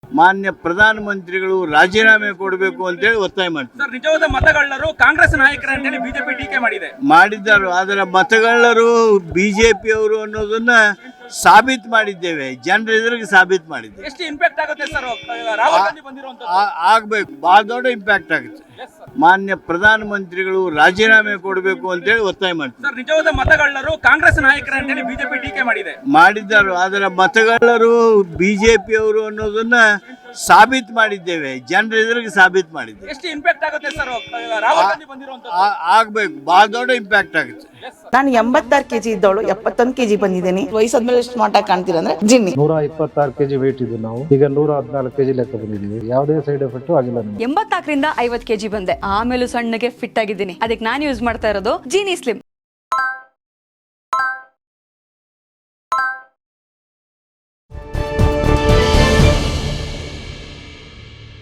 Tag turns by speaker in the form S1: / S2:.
S1: ಮಾನ್ಯ ಪ್ರಧಾನಮಂತ್ರಿಗಳು ರಾಜೀನಾಮೆ ಕೊಡಬೇಕು ಅಂತೇಳಿ ಒತ್ತಾಯ ಮಾಡ್ತಾರೆ.
S2: ಸರ್, ನಿಜವಾದ ಮತಗಳ್ಳರು ಕಾಂಗ್ರೆಸ್ ನಾಯಕರೇ ಅಂತೇಳಿ ಬಿಜೆಪಿ ಟೀಕೆ
S1: ಮಾಡಿದ್ದಾರೆ. ಅದರ ಮತಗಳ್ಳರು ಬಿಜೆಪಿ ಅವರು ಅನ್ನೋದನ್ನ ಸಾಬೀತು ಮಾಡಿದ್ದೇವೆ, ಜನರ ಎದುರಿಗೆ ಸಾಬೀತು ಮಾಡಿದ್ದೇವೆ.
S2: ಎಷ್ಟು ಇಂಪ್ಯಾಕ್ಟ್ ಆಗುತ್ತೆ ಸರ್ ರಾಹುಲ್ ಗಾಂಧಿ ಬಂದಿರುವಂತದ್ದು?
S1: ಆಗ್ಬೇಕು, ಬಹಳ ದೊಡ್ಡ ಇಂಪ್ಯಾಕ್ಟ್ ಆಗುತ್ತೆ. ಮಾನ್ಯ ಪ್ರಧಾನಮಂತ್ರಿಗಳು ರಾಜೀನಾಮೆ ಕೊಡಬೇಕು ಅಂತೇಳಿ ಒತ್ತಾಯ ಮಾಡ್ತಾರೆ.
S2: ಸರ್, ನಿಜವಾದ ಮತಗಳ್ಳರು ಕಾಂಗ್ರೆಸ್ ನಾಯಕರೇ ಅಂತೇಳಿ ಬಿಜೆಪಿ ಟೀಕೆ
S1: ಮಾಡಿದ್ದಾರೆ. ಅದರ ಮತಗಳ್ಳರು ಬಿಜೆಪಿ ಅವರು ಅನ್ನೋದನ್ನ ಸಾಬೀತು ಮಾಡಿದ್ದೇವೆ, ಜನರ ಎದುರಿಗೆ ಸಾಬೀತು ಮಾಡಿದ್ದೇವೆ.
S2: ಎಷ್ಟು ಇಂಪ್ಯಾಕ್ಟ್ ಆಗುತ್ತೆ ಸರ್ ರಾಹುಲ್ ಗಾಂಧಿ ಬಂದಿರುವಂತದ್ದು?
S1: ಆಗ್ಬೇಕು, ಬಹಳ ದೊಡ್ಡ ಇಂಪ್ಯಾಕ್ಟ್ ಆಗುತ್ತೆ.
S3: ನಾನು 86 kg ಇದ್ದವಳು 71 kg ಬಂದಿದ್ದೀನಿ. ವಯಸ್ಸಾದ್ಮೇಲೆ ಎಷ್ಟು ಸ್ಮಾರ್ಟ್ ಆಗಿ ಕಾಣ್ತೀರ ಅಂದ್ರೆ ಜಿನ್ನಿ.
S4: 126 kg ವೇಟ್ ಇದ್ದು ನಾವು ಈಗ 114 kg ಲೆಕ್ಕ ಬಂದಿದ್ದೀವಿ. ಯಾವುದೇ ಸೈಡ್ ಎಫೆಕ್ಟ್ ಆಗಿಲ್ಲ.
S5: 84 ರಿಂದ 50 kg ಬಂದೆ. ಆಮೇಲೂ ಸಣ್ಣಗೆ ಫಿಟ್ ಆಗಿದ್ದೀನಿ. ಅದಕ್ಕೆ ನಾನು ಯೂಸ್ ಮಾಡ್ತಾ ಇರೋದು ಜೀನಿ ಸ್ಲಿಮ್.